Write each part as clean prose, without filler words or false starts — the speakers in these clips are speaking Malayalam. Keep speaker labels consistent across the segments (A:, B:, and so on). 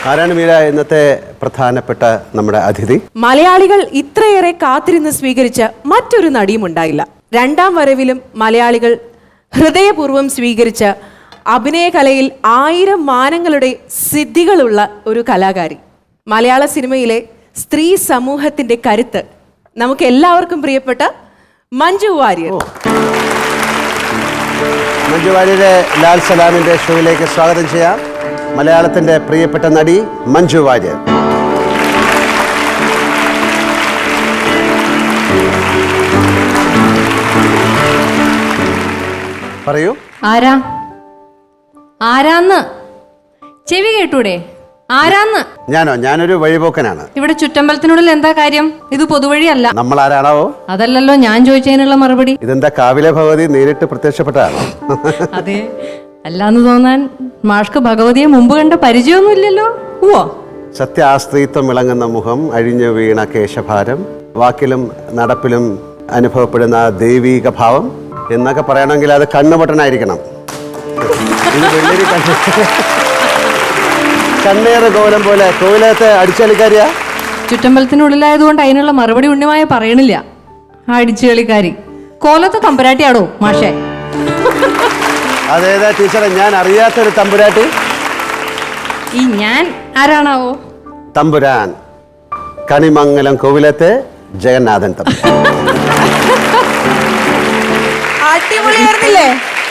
A: ആരാണ് മീര ഇന്നത്തെ പ്രധാനപ്പെട്ട നമ്മുടെ അതിഥി?
B: മലയാളികൾ ഇത്രയേറെ കാത്തിരുന്ന് സ്വീകരിച്ച മറ്റൊരു നടിയും ഉണ്ടായില്ല. രണ്ടാം വരവിലും മലയാളികൾ ഹൃദയപൂർവ്വം സ്വീകരിച്ച അഭിനയകലയിൽ 1000 മാനങ്ങളുടെ സിദ്ധികളുള്ള ഒരു കലാകാരി. മലയാള സിനിമയിലെ സ്ത്രീ സമൂഹത്തിന്റെ കരുത്ത് നമുക്ക് എല്ലാവർക്കും പ്രിയപ്പെട്ട മഞ്ജു വാര്യർ.
A: മഞ്ജു വാര്യരെ ലാൽ സലാമിന്റെ ഷോയിലേക്ക് സ്വാഗതം ചെയ്യാം. മലയാളത്തിന്റെ പ്രിയപ്പെട്ട നടി മഞ്ജു വാര്യർ. പറയൂ.
C: ആരാന്ന് ചെവി കേട്ടൂടെ? ആരാന്ന്?
A: ഞാനൊരു വഴിപോക്കനാണ്.
C: ഇവിടെ ചുറ്റമ്പലത്തിനുള്ളിൽ എന്താ കാര്യം? ഇത് പൊതുവഴിയല്ല.
A: നമ്മൾ ആരാണാവോ?
C: അതല്ലല്ലോ ഞാൻ ചോദിച്ചതിനുള്ള മറുപടി.
A: ഇതെന്താ കാവിലെ ഭഗവതി നേരിട്ട് പ്രത്യക്ഷപ്പെട്ടതാണ്?
C: അതെ, അല്ലാന്ന് തോന്നാൻ മാഷ്ക്ക് ഭഗവതിയെ മുമ്പ് കണ്ട പരിചയമൊന്നുമില്ലല്ലോ. ഓ,
A: സത്യാസ്ത്രീത്വം വിളങ്ങുന്ന മുഖം, അഴിഞ്ഞു വീണ കേശഭാരം, വാക്കിലും നടപ്പിലും അനുഭവപ്പെടുന്ന ദൈവീക ഭാവം എന്നൊക്കെ പറയണമെങ്കിൽ അത് കണ്ണുപൊട്ടനായിരിക്കണം. കണ്ണേറ് കോലം പോലെ കോവിലത്തെ അടിച്ചുകളിക്കാരിയാ.
C: ചുറ്റമ്പലത്തിനുള്ളിലായതുകൊണ്ട് അതിനുള്ള മറുപടി ഉണ്ണിമായ പറയണില്ല. ആ അടിച്ചുകളിക്കാരി കോലത്തെ തമ്പുരാട്ടിയാടോ മാഷേ?
A: അതേതാ ടീച്ചറെ? ഞാൻ അറിയാത്തൊരു തമ്പുരാട്ടി.
C: ഈ ഞാൻ ആരാണാവോ?
A: തമ്പുരാൻ കണിമംഗലം കോവിലത്തെ ജഗന്നാഥൻ തമ്പുരാൻ.
B: അടിപൊളിയായിരുന്നില്ലേ?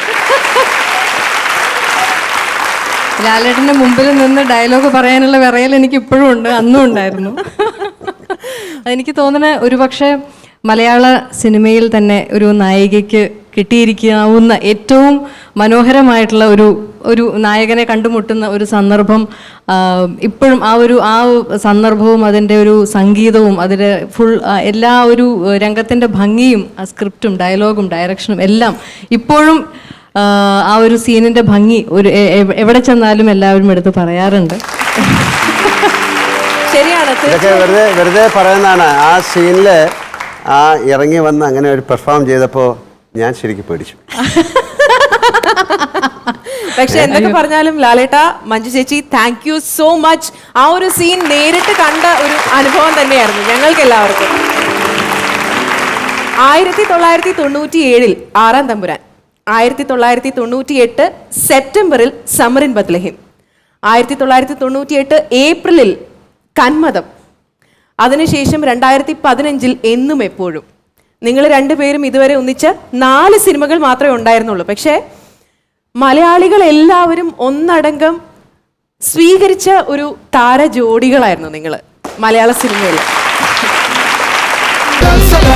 C: ലാലേട്ടന്റെ മുമ്പിൽ നിന്ന് ഡയലോഗ് പറയാനുള്ള വിറയൽ എനിക്ക് ഇപ്പോഴും ഉണ്ട്, അന്നും ഉണ്ടായിരുന്നു. അതെനിക്ക് തോന്നുന്നത് ഒരുപക്ഷെ മലയാള സിനിമയിൽ തന്നെ ഒരു നായികയ്ക്ക് കിട്ടിയിരിക്കാവുന്ന ഏറ്റവും മനോഹരമായിട്ടുള്ള ഒരു നായകനെ കണ്ടുമുട്ടുന്ന ഒരു സന്ദർഭം ഇപ്പോഴും ആ സന്ദർഭവും അതിൻ്റെ ഒരു സംഗീതവും അതിൻ്റെ ഫുൾ എല്ലാ ഒരു രംഗത്തിൻ്റെ ഭംഗിയും ആ സ്ക്രിപ്റ്റും ഡയലോഗും ഡയറക്ഷനും എല്ലാം ഇപ്പോഴും ആ ഒരു സീനിൻ്റെ ഭംഗി എവിടെ ചെന്നാലും എല്ലാവരും എടുത്ത് പറയാറുണ്ട്.
B: ശരിയാണ്.
A: ഇതൊക്കെ വെറുതെ പറയുന്നതാണ്. ആ സീനില് ആ ഇറങ്ങി വന്ന് അങ്ങനെ ഒരു പെർഫോം ചെയ്തപ്പോൾ ഞാൻ ശരിക്കും പേടിച്ചു.
B: പക്ഷെ എന്തൊക്കെ പറഞ്ഞാലും ലാലേട്ട, മഞ്ജു ചേച്ചി, താങ്ക് യു സോ മച്ച്. ആ ഒരു സീൻ നേരിട്ട് കണ്ട ഒരു അനുഭവം തന്നെയായിരുന്നു ഞങ്ങൾക്ക് എല്ലാവർക്കും. 1997 ആറാം തമ്പുരാൻ, 1998 സെപ്റ്റംബറിൽ സമറിൻ ബത്ലഹേം, 1998 ഏപ്രിലിൽ കന്മദം, അതിനുശേഷം 2015 എന്നും എപ്പോഴും. നിങ്ങൾ രണ്ടുപേരും ഇതുവരെ ഒന്നിച്ച 4 സിനിമകൾ മാത്രമേ ഉണ്ടായിരുന്നുള്ളൂ. പക്ഷേ മലയാളികൾ എല്ലാവരും ഒന്നടങ്കം സ്വീകരിച്ച ഒരു താര ജോഡികളായിരുന്നു നിങ്ങൾ മലയാള സിനിമയിൽ.